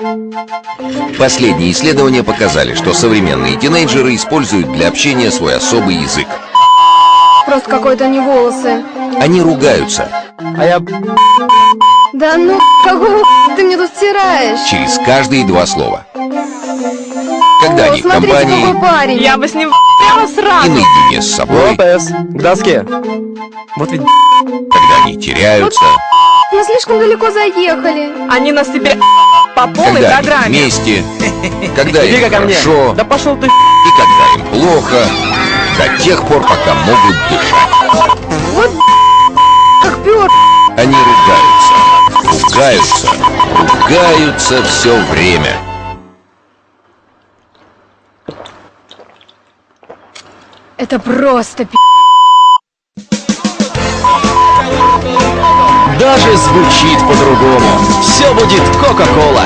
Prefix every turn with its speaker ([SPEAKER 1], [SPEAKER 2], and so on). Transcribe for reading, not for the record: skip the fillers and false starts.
[SPEAKER 1] Последние исследования показали, что современные тинейджеры используют для общения свой особый язык.
[SPEAKER 2] Просто какой-то не волосы.
[SPEAKER 1] Они ругаются.
[SPEAKER 3] А я...
[SPEAKER 2] Да ну, какого ты мне тут стираешь?
[SPEAKER 1] Через каждые два слова. Когда они в
[SPEAKER 2] Смотрите,
[SPEAKER 1] компании
[SPEAKER 2] какой парень.
[SPEAKER 4] Я бы с ним прямо
[SPEAKER 1] и
[SPEAKER 4] сразу.
[SPEAKER 1] наедине с собой,
[SPEAKER 3] Лопес, к доске. Вот ведь...
[SPEAKER 1] когда они теряются,
[SPEAKER 2] Мы слишком далеко заехали.
[SPEAKER 4] Они нас теперь по полной
[SPEAKER 1] когда они
[SPEAKER 4] программе.
[SPEAKER 1] вместе, когда им
[SPEAKER 3] Иди-ка ко мне.
[SPEAKER 1] хорошо
[SPEAKER 3] Да пошел ты.
[SPEAKER 1] и когда им плохо, до тех пор, пока могут дышать.
[SPEAKER 2] Вот как пёр.
[SPEAKER 1] Они ругаются все время.
[SPEAKER 2] Это просто пи***.
[SPEAKER 3] Даже звучит по-другому. Все будет Кока-Кола.